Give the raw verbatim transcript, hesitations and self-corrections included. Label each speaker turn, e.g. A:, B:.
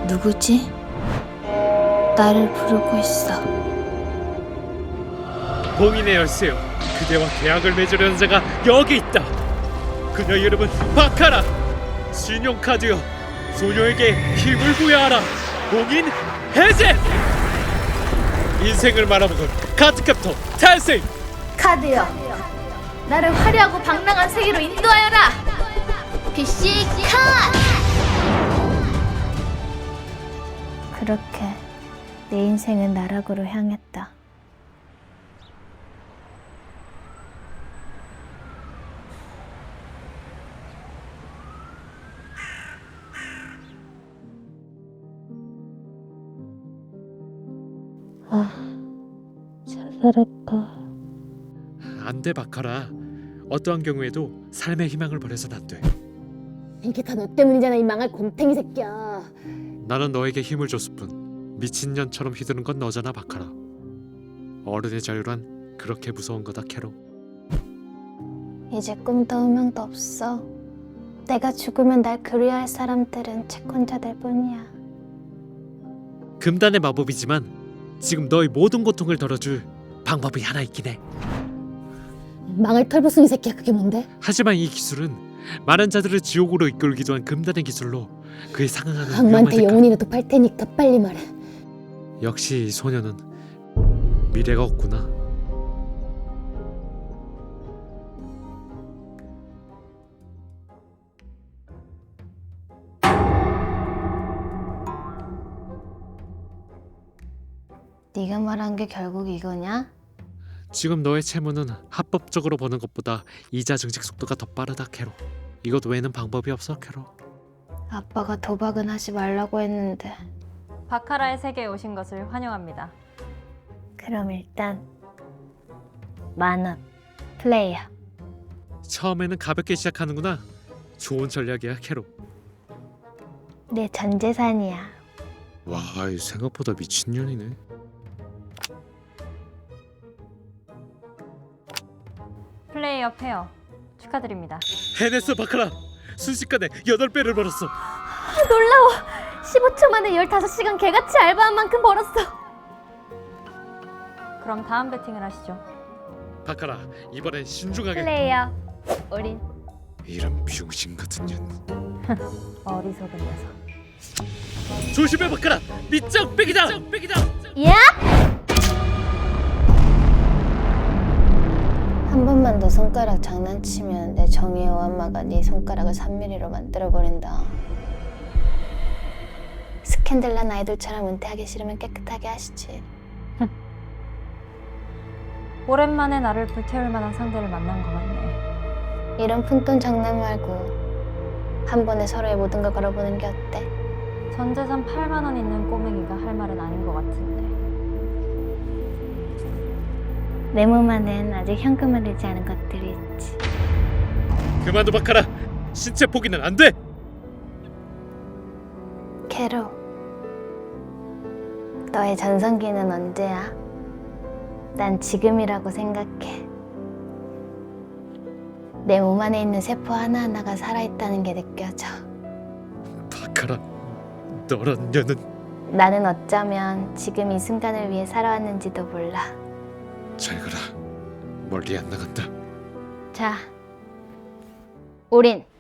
A: 누구지? 나를 부르고 있어.
B: 봉인의 열쇠요. 그대와 계약을 맺으려는 자가 여기 있다. 그녀의 이름은 바카라. 신용카드요. 소녀에게 힘을 부여하라. 봉인 해제. 인생을 말아먹은 카드캡터 탄생.
A: 카드여, 나를 화려하고 방랑한 세계로 인도하여라. 피씨 카! 그렇게 내 인생은 나락으로 향했다. 아, 자살할까?
B: 안돼 바카라. 어떠한 경우에도 삶의 희망을 버려선 안 돼.
C: 이게 다 너 때문이잖아, 이 망할 곰탱이 새끼야.
B: 나는 너에게 힘을 줬을 뿐 미친년처럼 휘두른 건 너잖아 바카라. 어른의 자유란 그렇게 무서운 거다 캐로.
A: 이제 꿈도 희망도 없어. 내가 죽으면 날 그리워할 사람들은 채권자들 뿐이야.
B: 금단의 마법이지만 지금 너의 모든 고통을 덜어줄 방법이 하나 있긴 해.
C: 망할 털보숭이 새끼야, 그게 뭔데?
B: 하지만 이 기술은 많은 자들을 지옥으로 이끌기도 한 금단의 기술로 그에 상응하는
C: 악마한테
B: 위험한
C: 영혼이라도 팔 테니까 빨리 말해.
B: 색깔. 역시 이 소녀는 미래가 없구나.
A: 네가 말한 게 결국 이거냐?
B: 지금 너의 채무는 합법적으로 버는 것보다 이자 증식 속도가 더 빠르다 캐로. 이것 외에는 방법이 없어 캐로.
A: 아빠가 도박은 하지 말라고 했는데.
D: 바카라의 세계에 오신 것을 환영합니다.
A: 그럼 일단 만원 플레이어.
B: 처음에는 가볍게 시작하는구나. 좋은 전략이야 캐로.
A: 내 전 재산이야.
B: 와, 생각보다 미친년이네.
D: 플레이어 페어 축하드립니다.
B: 해냈어 바카라. 순식간에 여덟 배를 벌었어.
A: 놀라워. 십오 초 만에 열다섯 시간 개같이 알바한 만큼 벌었어.
D: 그럼 다음 배팅을 하시죠.
B: 바카라, 이번엔 신중하게.
A: 플레이어 우린
B: 이런 병신 같은 년.
D: 어리석은 녀석.
B: 조심해 바카라. 밑장 빼기다. 빼기다.
A: 야! 한 번만 더 손가락 장난치면 내 정의의 오한마가 네 손가락을 삼 밀리미터로 만들어버린다. 스캔들난 아이돌처럼 은퇴하기 싫으면 깨끗하게 하시지.
D: 오랜만에 나를 불태울 만한 상대를 만난 것 같네.
A: 이런 푼돈 장난 말고 한 번에 서로의 모든 걸 걸어보는 게 어때?
D: 전 재산 팔만 원 있는 꼬맹이가 할 말은 아닌 것 같은데.
A: 내 몸 안엔 아직 현금을 내지 않은 것들이 있지.
B: 그만둬 바카라. 신체 포기는 안 돼.
A: 캐로, 너의 전성기는 언제야? 난 지금이라고 생각해. 내 몸 안에 있는 세포 하나하나가 살아있다는 게 느껴져.
B: 바카라, 너란 년은.
A: 나는 어쩌면 지금 이 순간을 위해 살아왔는지도 몰라.
B: 잘 가라. 멀리 안 나간다.
A: 자, 우린